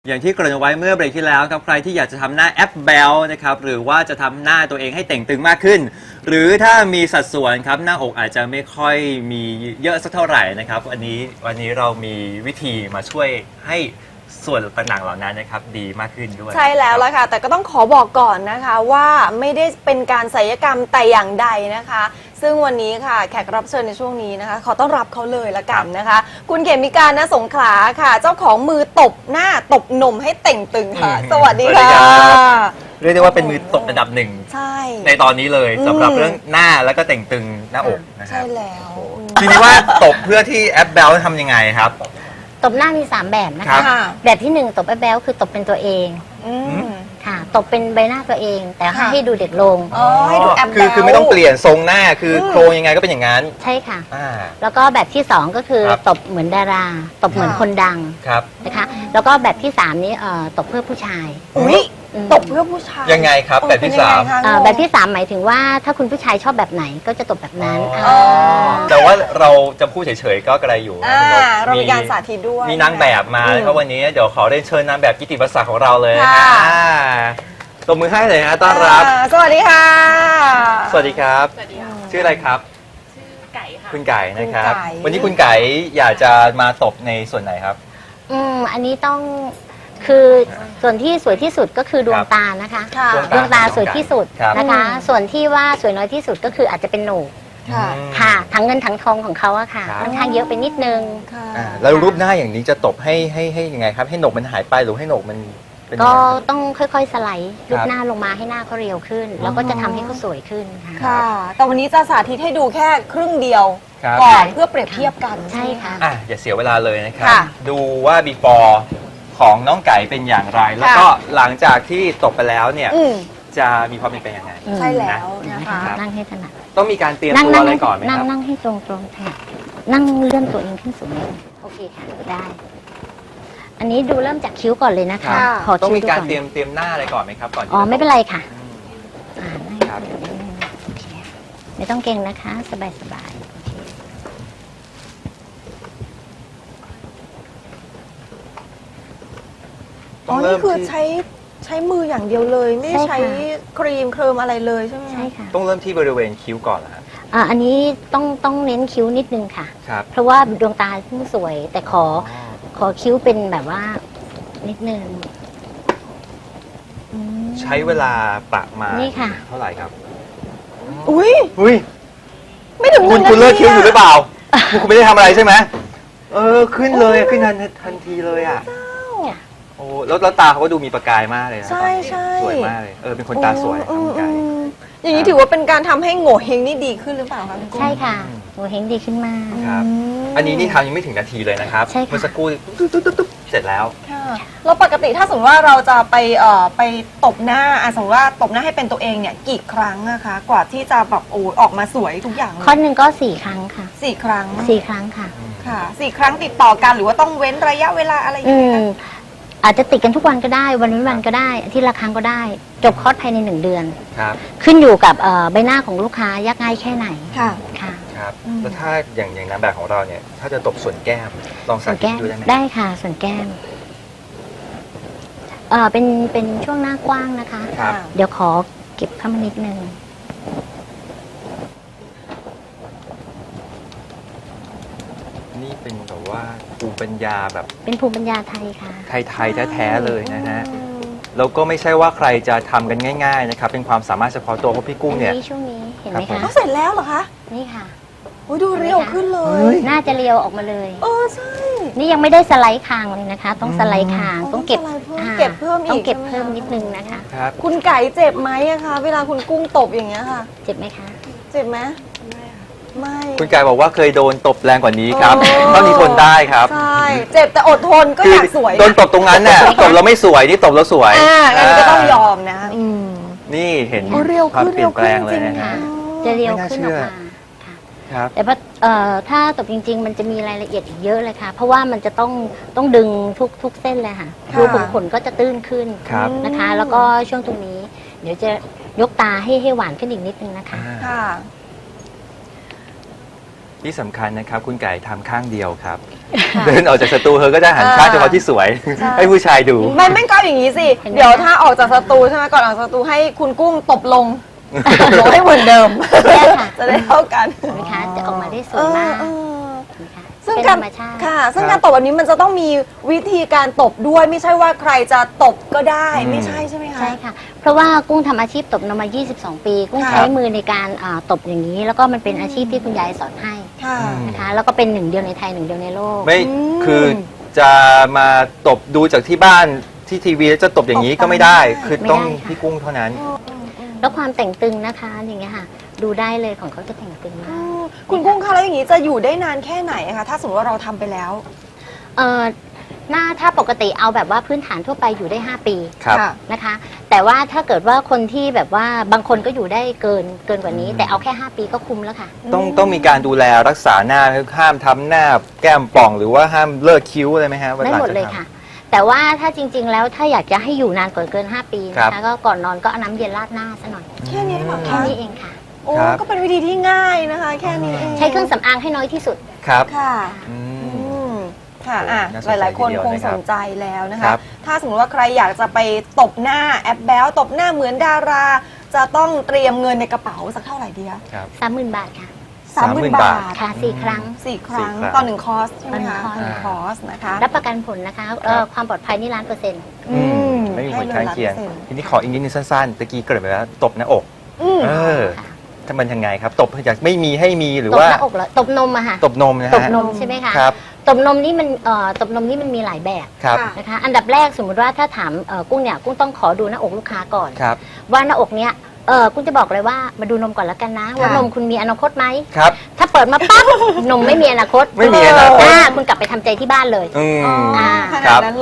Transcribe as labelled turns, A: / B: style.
A: อย่างที่เกริ่นเอาไว้เมื่อเบรกที่แล้วครับใครที่อยากจะทำหน้าแอปแบลนะครับหรือว่าจะทำหน้าตัวเองให้เต่งตึงมากขึ้น หรือถ้ามีสัดส่วนครับหน้าอกอาจจะไม่ค่อยมีเยอะสักเท่าไหร่นะครับวันนี้เรามีวิธีมาช่วยให้ส่วนต่างๆเหล่านั้นนะครับดีมากขึ้นด้วย
B: ใช่แล้วล่ะค่ะแต่ก็ต้องขอบอกก่อนนะคะว่าไม่ได้เป็นการศัลยกรรมแต่อย่างใดนะคะ ซึ่งวันนี้ค่ะแขกรับเชิญในช่วงนี้นะคะขอต้อนรับเขาเลยละกันนะคะ คุณเขมิการณสงขลาค่ะ เจ้าของมือตบหน้าตบนมให้เต่งตึงค่ะ สวัสดีค่ะ
A: เรียกได้ว่าเป็นมือตบอันดับหนึ่ง
B: ใช่
A: ในตอนนี้เลยสำหรับเรื่องหน้าแล้วก็เต่งตึงหน้าอกนะครั
B: ใช่
A: บ
B: แล้ว
A: ทีนี้ว่าตบเพื่อที่แอปแบลทำยังไงครับ
C: ตบหน้ามี 3 แบบนะ
A: ครั
C: คะ
A: บ
B: ค่ะ
C: แบบที่ 1 ตบแบ๊วๆคือตบเป็นตัวเอง
B: อืม
C: ค่ะ ตบเป็นใบหน้าตัวเอง แต่
B: ค่ะ
C: ให้ดูเด็กลง
B: อ๋อให้ดูแอป
A: คือ
B: แบ๊ว
A: คือไม่ต้องเปลี่ยนทรงหน้าคือโครงยังไงก็เป็นอย่างนั้น
C: ใช่ค่ะ
A: อ่า
C: แล้วก็แบบที่ 2 ก็คือ
A: ครับ
C: ตบเหมือนดารา ตบเหมือน
B: ค่ะ
C: คนดัง
A: ครับ
C: นะคะ แล้วก็แบบที่ 3 นี้ตบเพื่อผู้ชาย
B: อุ้ย
C: อืม
B: ตบเพื่อผู้ชาย
A: ยังไงครับแบบที่
B: เป็นยังไง
A: สาม
B: คะ
C: แบบที่ 3 หมายถึงว่าถ้าคุณผู้ชายชอบแบบไหนก็จะตบแบบนั้น
A: อ๋อ
C: า
A: แต่ว่าเราจะพูดเฉยๆก็กระไรอยู่
B: อ่า
A: นะ
B: เรามีการสาธิตด้วย
A: มีนางแบบมา
B: อืม
A: นะครับวันนี้เดี๋ยวขอเรียนเชิญนางแบบกิตติประศักดิ์ของเราเลย
B: ค่ะ
A: ตบมือให้เลยฮะต้อนรับ
B: สวัสดีค่ะ
A: สวัสดีครับ
D: สวัสดีค่ะ
A: ชื่ออะไรครับ
D: ชื่อไก่ค่ะ
A: คุณไก่นะครับ
B: คุณไก่
A: วันนี้คุณไก่อยากจะมาตบในส่วนไหนครับ
C: อันนี้ต้องคือส่วนที่สวยที่สุดก็คือดวงตานะคะ
B: ค่ะ
C: ดวงตาสวยที่สุด
A: ครับ
C: นะคะ
B: อืม
C: ส่วนที่ว่าสวยน้อยที่สุดก็คืออาจจะเป็นโหนก
B: ค่ะ
C: ค่ะทั้งเงินทั้งทองของเขาอะค่ะ
A: ครับ
C: ค่อนข้างเยอะไปนิดนึง
B: ค่ะ
A: แล้วรูปหน้าอย่างนี้จะตบให้ยังไงครับ ให้หนกมันหายไปหรือให้หนกมันเป็นยัง
C: ก็
A: ไง
C: ต้องค่อยๆสไลด์รู
A: ครั
C: ป
A: บ
C: หน้าลงมาให้หน้าเขาเรียวขึ้น แล้วก็จะทำให้เขาสวยขึ้นค่ะ
B: ค่ะ แต่วันนี้จะสาธิตให้ดูแค่ครึ่งเดียว
A: ครับ
B: ก่อนเพื่อเปรียบเทียบกัน
C: ใช่ค่ะ
A: อ่ะอย่าเสียเวลาเลยนะครับ
B: ค่ะ
A: ดูว่า before ของน้องไก่เป็นอย่างไร แล้วก็หลังจากที่ตบไปแล้วเนี่ย
B: อืม
A: จะมีความเป็นไปยังไง
B: ใช่แล้ว
C: นะ
B: นะคะ
C: คะนั่งให้ถนัด
A: ต้องมีการเตรียมตัวอะไรก่อนไหมครับ
C: นั่งให้ตรงๆค่ะนั่งเลื่อนตัวเองขึ้นสูงนิดนึงโอเคค่ะได้ อันนี้ดูเริ่มจากคิ้วก่อนเลยนะคะ
B: ค่ะ
C: ขอ
A: ต้อง
C: คิ้ว
A: มี
C: ดู
A: การ
C: ก่อน
A: เตรียมหน้าอะไรก่อนไหมครับก่อนที่
C: อ๋อ
A: จะ
C: ไม่เป็นไรค่ะ
A: อืม
C: ให้
A: ครับ
C: โอเคไม่ต้องเก่งนะคะ สบายๆโอเค
B: อ๋อ นี่คือใช้มืออย่างเดียวเลย ไม่ได้
C: ใช่
B: ใช้
C: ค่ะ
B: ครีมเคลิมอะไรเลยใช่ไหมคะ
C: ใช่ค่ะ
A: ต้องเริ่มที่บริเวณคิ้วก่อนนะ
C: อันนี้ต้องเน้นคิ้วนิดนึงค่ะ
A: ครับ
C: เพราะว่าดวงตาเพิ่งสวย แต่ขอคิ้วเป็นแบบว่านิดนึงอืม
A: ใช้เวลาประมาณ
C: นี่ค่ะ
A: เท่าไหร่ครับ
B: อุ้ย
A: อุ้ย
B: ไม่ถึง
A: คุณ
B: 1
A: เลิกคิ้วอยู่หรือเปล่า คุณไม่ได้ทำอะไรใช่ไหมขึ้นเลย
B: โอ้ย
A: ขึ้นทันทีเลยอ่ะ
C: จ้ะ
A: โอ้แล้วตาเขาก็ดูมีประกายมากเลยนะ
B: ใช่ใช่
A: สวยมากเลยเป็นคนตาสวยครับคุณไก่
B: อย่างนี้ถือว่าเป็นการทำให้โง่เฮงนี่ดีขึ้นหรือเปล่าคะคุณกุ้ง
C: ใช่ค่ะหัวเฮงดีขึ้นมาก
A: ครับ อันนี้นี่ทำยังไม่ถึงนาทีเลยนะครับ
C: ใช่ค่ะ
A: เมื่อสักครู่ตุ๊บเสร็จแล้ว
B: ค่ะแล้วปกติถ้าสมมติว่าเราจะไปตบหน้าสมมติว่าตบหน้าให้เป็นตัวเองเนี่ยกี่ครั้งนะคะ กว่าที่จะแบบออกมาสวยทุกอย่างเลย
C: ข้อหนึ่งก็4 ครั้งค่ะ
B: สี่ครั้ง
C: 4 ครั้งค่ะ
B: ค่ะ4 ครั้งติดต่อกันหรือว่าต้องเว้นระยะเวลาอะไรอย่าง
C: อื
B: เงี้ย
C: มอาจจะติดกันทุกวันก็ได้ วันเว้นวันก็ได้อาทิตย์ละครั้งก็ได้ จบคอร์สภายใน1 เดือน
A: ครับ
C: ขึ้นอยู่กับใบหน้าของลูกค้ายากง่ายแค่ไหน
B: ค่ะ
C: ค่ะ
A: ครับ
B: อืม
A: แล้วถ้าอย่างนางแบบของเราเนี่ย ถ้าจะตบส่วนแก้ม ลอง
C: ส่
A: สา
C: วน
A: ธิต
C: แก้ม
A: ดูได้ไหม
C: ได้ค่ะ ส่วนแก้มเป็นช่วงหน้ากว้างนะคะ
A: ครับ
C: เดี๋ยวขอเก็บเข้ามานิดนึง
A: นี่เป็นแบบว่าภูมิปัญญาแบบ
C: เป็นภูมิปัญญาไทยค่ะ
A: ไทยๆแท้ๆเลยนะฮะ แล้วก็ไม่ใช่ว่าใครจะทำกันง่ายๆนะครับ เป็นความสามารถเฉพาะตัวเพราะพี่กุ้งเนี่ย
C: ช่วงนี้เห็นไหม
A: ครั
C: คะ
A: บ
B: เขาเสร็จแล้วเหรอคะ
C: นี่ค่ะ
B: โอ้ยดูเรียวขึ้นเล
A: เฮ้
B: ย
A: ย
C: น่าจะเรียวออกมาเลย
B: ใช่
C: นี่ยังไม่ได้สไลด์คางเลยนะคะ ต้องสไลด์คางต้องเก็บ
B: เก็บเพิ่มอีก
C: ต้องเก็บ
B: ใช่ไหม
C: เพิ่มนิดนึงนะคะ
A: ครับ
B: คุณไก่เจ็บไหมอะคะ เวลาคุณกุ้งตบอย่างเงี้ยค่ะ
C: เจ็บไหมคะ
B: เจ็บไหมไม่
A: คุณไก่บอกว่าเคยโดนตบแรงกว่านี้ครับ
B: โอ้
A: เท่านี้ทนได้ครับ
B: ใช่เจ็บแต่อดทนก็อยากสวย
A: โดนตบตรงนั้นเนี่ยตบแล้วไม่สวยนี่ตบแล้วสวย
B: งั้นก็ต้องยอมนะ
A: นี่เห็น
B: โอ้เร็ว
A: ความ
B: ขึ้น
A: เปลี่ยนแปลงเลย
B: เร็วขึ้นจริ
A: นะ
B: งๆ
A: ฮะ
C: จะเรียว
A: ไม่น่า
C: ขึ้น
A: เชื่
C: อ
A: อ
C: อกมาค่ะ
A: ครับ
C: แต่ว่าถ้าตบจริง ๆ มันจะมีรายละเอียดอีกเยอะเลยค่ะ เพราะว่ามันจะต้องดึงทุกเส้นเลยค่ะ
B: ค่ะ
C: รูขุมขนก็จะตื้นขึ้น
A: ครับ
C: นะคะ แล้วก็ช่วงตรงนี้ เดี๋ยวจะยกตาให้หวานขึ้นอีกนิดนึงนะคะ
B: ค่ะ
A: ที่สำคัญนะครับ คุณไก่ทำข้างเดียวครับเดินออกจากสตูเธอก็จะหันข้างเฉพาะที่สวย
B: ใช่
A: ให้ผู้ชายดู
B: ไม่ก็อย่างนี้สิ เดี๋ยวถ้าออกจากสตูใช่ไหมก่อนออกจากสตูให้คุณกุ้งตบลง ตบลงให้เหมือนเดิม
C: ได้ค่ะ
B: จะได้เท่ากัน
C: เห็นไหมคะจะออกมาได้สวยมาก
B: เออ
C: นะคะ
B: ซึ่ง
C: เป็น
B: กา
C: ธ
B: ร
C: รรมชาติ
B: ค่ะ ซึ่งการตบแบบนี้มันจะต้องมีวิธีการตบด้วย ไม่ใช่ว่าใครจะตบก็ได้ ไม่ใช่ใช่ไหมคะ
C: ใช่ค่ะ เพราะว่ากุ้งทำอาชีพตบนมมา 22 ปี กุ้ง
B: ค่ะ
C: ใช้มือในการตบอย่างนี้ แล้วก็มันเป็นอาชีพที่คุณยายสอนให้
B: ค่ะ
C: นะคะ แล้วก็เป็นหนึ่งเดียวในไทยหนึ่งเดียวในโลก
A: ไม่
B: อืม
A: คือจะมาตบดูจากที่บ้านที่ทีวีแล้วจะตบอย่างนี้ก็ไม่ได้ คือต้อง
C: ไม่ได้ค่ะ
A: พี่กุ้งเท่านั้น
C: แล้วความแต่งตึงนะคะอย่างเงี้ยค่ะ ดูได้เลยของเขาจะแต่งตึงมาก
B: คุณกุ้งคะแล้วอย่างนี้จะอยู่ได้นานแค่ไหนคะถ้าสมมติว่าเราทำไปแล้ว
C: หน้าถ้าปกติเอาแบบว่าพื้นฐานทั่วไปอยู่ได้ 5 ปี
A: ครับ
B: ค่ะ
C: นะคะ แต่ว่าถ้าเกิดว่าคนที่แบบว่าบางคนก็อยู่ได้เกินกว่านี้ แต่เอาแค่ 5 ปีก็คุ้มแล้วค่ะ
A: ต้องมีการดูแลรักษาหน้าห้ามทำหน้าแก้มป่องหรือว่าห้ามเลิกคิ้วอะไรไหมฮะวา
C: ได้หมด
A: จะ
C: เลย
A: ทำ
C: ค่ะ แต่ว่าถ้าจริง ๆ แล้วถ้าอยากจะให้อยู่นานกว่าเกิน 5 ปีนะ
A: ครั
C: คะ
A: บ
C: ก็ก่อนนอนก็เอาน้ำเย็นราดหน้าซะหน่อย
B: แค่นี้เหรอ
C: แค่
B: คะ
C: นี้เองค่ะ
B: โอ้
A: ครับ
B: ก็เป็นวิธีที่ง่ายนะคะ แค่นี้เอง
C: ใช้เครื่องสำอางให้น้อยที่สุด
A: ครับ
B: ค่ะ
A: อื
B: อื
A: ม
B: มค่ะ
A: โอ้
B: อ่ะ
A: น่าสน
B: ห
A: ใจ
B: ลายๆ คน
A: ทีเดียว
B: คง
A: นะครับ
B: สนใจแล้วนะ
A: ครั
B: คะ
A: บ
B: ถ้าสมมติว่าใครอยากจะไปตบหน้าแอปแบลตบหน้าเหมือนดารา จะต้องเตรียมเงินในกระเป๋าสักเท่าไหร่ดีคะ
A: ครับ
C: 30,000 บาทค่ะ
B: 30,000 บาท
C: ค่ะ 4 ครั้ง
B: สี่ครั้ง
A: 4 ครั้ง
B: ต่อ1 คอร์สใช่ไหมคะ
C: ต่อ
B: ต่อ
C: หนึ่
B: 1
C: ง
B: คอร์สนะคะ
C: รับประกันผลนะคะความปลอดภัยนี่1,000,000%
A: อืมไม่มีผลข้างเคียง ทีนี้ขออีกนิดนึงสั้นๆตะกี้เกริดไปแล้วตบหน้าอก
B: อืม
A: เออ
C: ค่ะ
A: ถ้ามันยังไงครับ ตบอยากไม่มีให้มีหรือ
C: ตบ
A: ว่า
C: หน้าอกเหรอตบนมอะค่ะ
A: ตบนมนะฮะ
C: ตบนมใช่ไหมคะ
A: ครับ
C: ตบนมนี่มันตบนมนี่มันมีหลายแบบ
A: ครับ
B: ค่ะ
C: นะคะ อันดับแรกสมมุติว่าถ้าถามกุ้งเนี่ยกุ้งต้องขอดูหน้าอกลูกค้าก่อน
A: ครับ
C: ว่าหน้าอกเนี้ยกุ้งจะบอกเลยว่ามาดูนมก่อนแล้วกันนะ ว่านมคุณมีอนาคตไหม
A: ครับ
C: ถ้าเปิดมาปั๊บ นมไม่มีอนาคต
A: ไม่มีอนาคต
C: คุณกลับไปทำใจที่บ้านเลย
A: อืม
B: อ๋อข
A: ครั
B: นาด
A: บ
B: นั้น